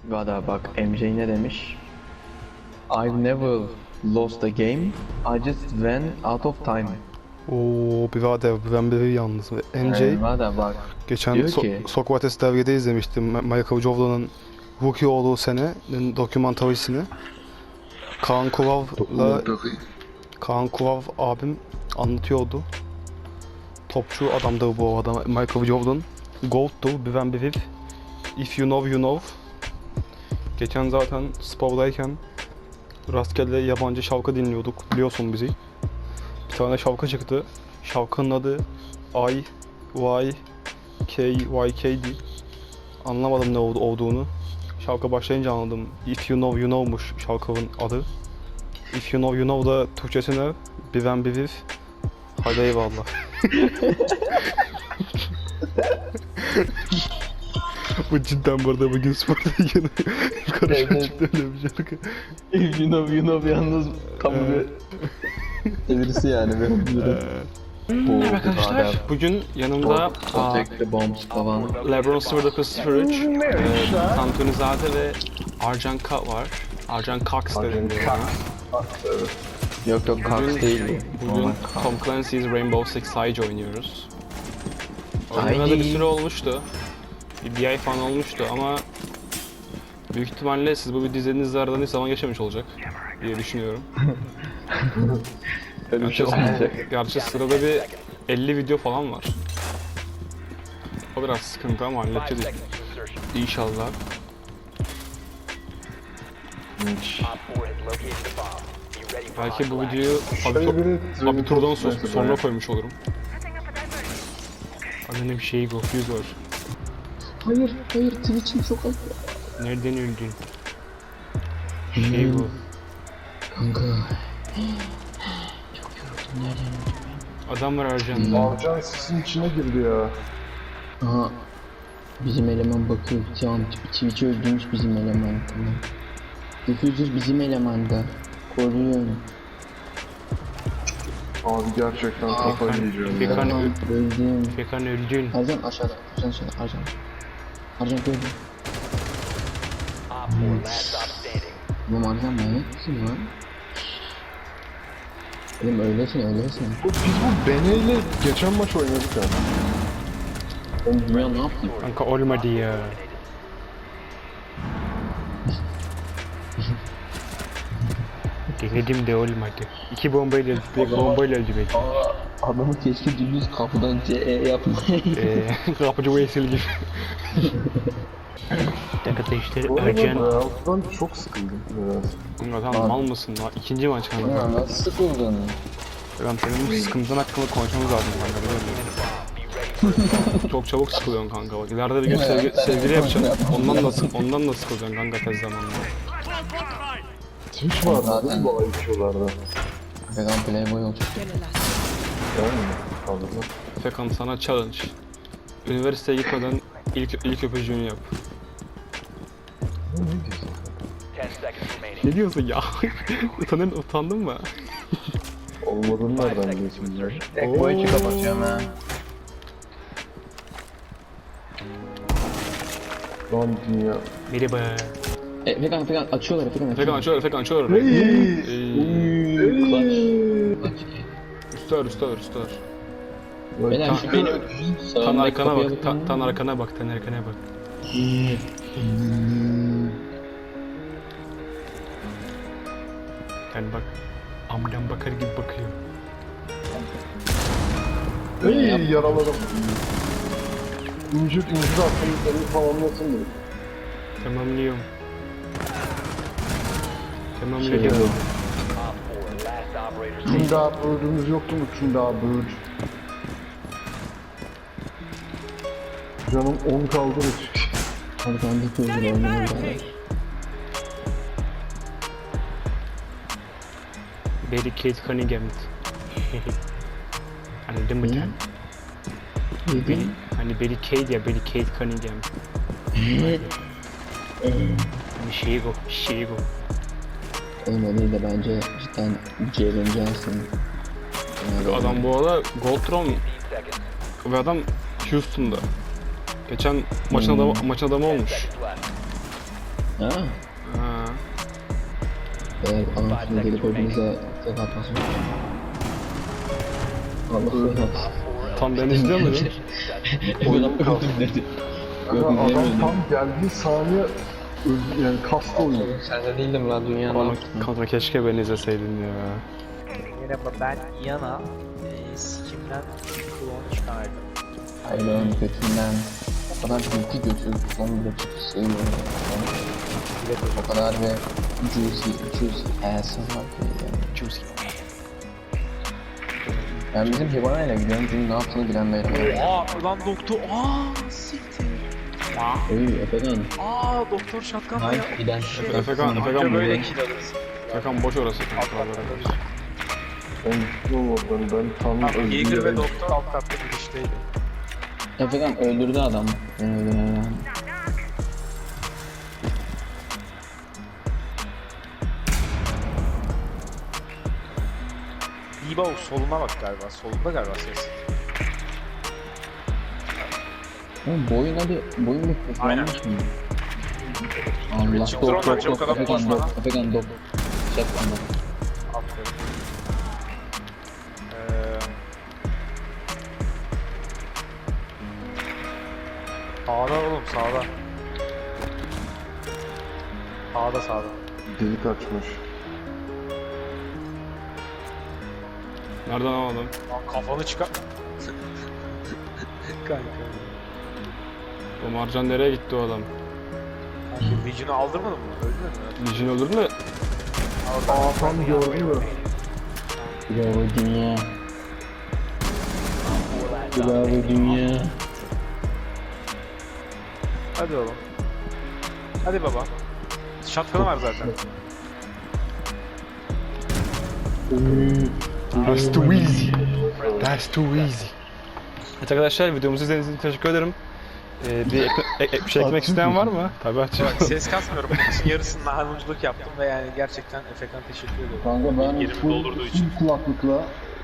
Vada bak MJ ne demiş? I've never lost a game. I just went out of time. Oo birader ben biri yalnız. MJ Vada bak. geçen diyor ki- Sokrates dergide izlemiştim. Michael Jordan'ın rookie olduğu senenin dokümantarisini. Kaan Kural abim anlatıyordu. Topçu adamdır bu arada Michael Jordan. Gold'dur, bilen bilir. If you know, you know. Geçen zaten spordayken rastgele yabancı şarkı dinliyorduk. Biliyorsun bizi. Bir tane şarkı çıktı. Şarkının adı IYKYK'di. Anlamadım ne olduğunu. Şarkı başlayınca anladım. If you know, you know'muş şarkının adı. If you know, you know da Türkçesi ne? Bilen bilir. Hadi eyvallah. Bu cidden bu arada bugün sporda yine karışık çıktı öyle bir şarkı. If you know yalnız kamu bir çevirisi yani benim. Evet arkadaşlar, bugün yanımda Protect the bombs falan. LeBron 0903, Tantunizade ve Arjan Ka var. Arjan Cox dedim yani. Yok Cox değil. Bugün Tom Clancy's Rainbow Six Siege oynuyoruz. Oynayalı bir süre olmuştu. Bir ay falan olmuştu ama büyük ihtimalle siz bu videoyu izlediğinizde aradan hiç zaman geçmemiş olacak diye düşünüyorum. Öyle bir şey olmayacak. Gerçi sırada bir 50 video falan var. O biraz sıkıntı ama halledeceğiz İnşallah. Belki bu videoyu abiturdan sonra koymuş olurum. Adına bir şey yok, yüz var. Hayır Twitch'im çok az. Nereden öldün? Şey bu. Kanka. Çok yoruldum nereden öldüm? Adam var Arjan'da. Arcan sisin içine girdi ya. Aha. Bizim eleman bakıyor. Tamam Twitch'i öldürmüş bizim eleman. Tamam. Diffuser bizim elemanda. Koruyorum. Abi gerçekten kafayı yiyeceğim ya. Fekan Öldüm. Fekan öldün. Arjan aşağıda. Arjan. Arjan gördüm. Oğlum Arjan manyak mısın lan? Oğlum öylesin. Biz bu Bene ile geçen maç oynadık ya. Oğlum dünya ne yaptın? Kanka olmadı ya. Denedim de olmadı. İki bombayla öldü belki. Adamı keşke dümdüz kapıdan CE yapmayı. Kapıcı Veysel gibi. Arkadaşlar Bu arada Arjan... Real'dan çok sıkıldım biraz. Kanka sen mal mısın lan? İkinci maç kanka. Ya nasıl sıkıldın? Ben senin bu sıkıntın hakkında konuşmamız lazım kanka. Çok çabuk sıkılıyorsun kanka bak. İleride bir gün sevgili yapacaksın. Ondan da sıkılacaksın kanka tez zamanda. Twitch var değil mi bu IQ'larda? Vegan Playboy olacak. Yani kaldırma. Fekan sana challenge. Üniversiteye gitmeden ilk öpücüğünü yap. Ne diyorsun? Ne diyorsun ya? Utandın mı? Olmadığını nereden biliyorsun ya? Tek boy içi kapatıyorum ha. Lan dünya. Merhaba. Fekan açıyorlar. Fekan açıyor. Üstler. Beyler şu benim Tan sağımdaki arkana kapıya bak. bakın. Tan arkana bak. Yani bak. Amdan bakar gibi bakıyor. Yaraladım. İncir attım, seni tamamlasın diye. Tamamlıyorum. Tunda böğrümüz yoktu mu? Tunda böğür. Canım 10 kaldı da çık. Hadi ben de kızım oynayayım bari. Barricade Cunningham. Anladın mı sen? Neden? Hani Barricade Cunningham. Şey bu. Oğlum o değil de bence cidden Jalen Johnson. Adam bu arada Goldtron ve adam Houston'da. Geçen maçın adamı olmuş. Ha? Ha. Adam şimdi gelip önümüze tek atmasın. Allah Allah. Tam ben izliyor muydum? Oyunum kaldı dedi. Kanka adam tam geldiği saniye yani kastı oyunu. Sen de değildim lan dünyanın Ama altında. kanka keşke beni izleseydin ya. Merhaba ben Yana. Sikimden klon çıkardım. Hayvan götünden. O kadar büyük götür. Son bile çok seviyorum. O kadar ve juicy ass'ın var ki yani. Juicy. Ben bizim Hibana'yla gidiyorum çünkü ne yaptığını bilen değilim. Lan doktor. Siktir. Efekan. Doktor şatkan Hayır giden. Efekan Böyle böyle. kill alırız. Efekan boş orası. Ben tam Yeager ve doktor alt katta girişteydi. Efekan öldürdü adam. Beni öldüren adam. Diba soluna bak galiba. Solunda galiba ses. Oğlum boyun mikrofonu Aynen. olmuş mu? Allah Çıktı ondan, çok adam Efekan koşma lan. Efekan dok. Çek bana. Aferin. Sağda oğlum sağda. Sağda. delik açmış. Nereden aldım? Lan kafanı çıkar. Kanka. O Marcan nereye gitti o adam? Kanka Vision'u aldırmadın mı? Öldü mü? Lijin olur mu? Tam gördün mü? Bravo dünya. Bravo dünya. Hadi oğlum. Hadi baba. Şatkanı var zaten. That's too easy. That's too easy. Evet arkadaşlar videomuzu izlediğiniz için teşekkür ederim. Bir şey eklemek isteyen var mı? Tabii açıyorum. Bak ses kasmıyorum. Maçın yarısını nahanuculuk yaptım ve yani gerçekten Efekan teşekkür ediyorum. Kanka ben Yerimi doldurduğu için. full kulaklıkla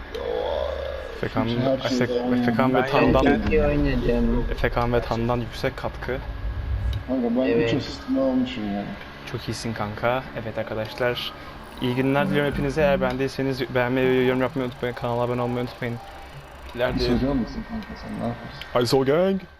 Efekan ve Ben Tan'dan Çok oynayacağım. Efekan ve Tan'dan yüksek katkı. kanka ben Evet. 3 asistini almışım yani. Çok iyisin kanka. Evet arkadaşlar. İyi günler diliyorum hepinize. Eğer beğendiyseniz beğenmeyi ve yorum yapmayı unutmayın. Kanala abone olmayı unutmayın. İleride... Hissediyor musun kanka sen ne yapıyorsun? Hadi Sol Gang.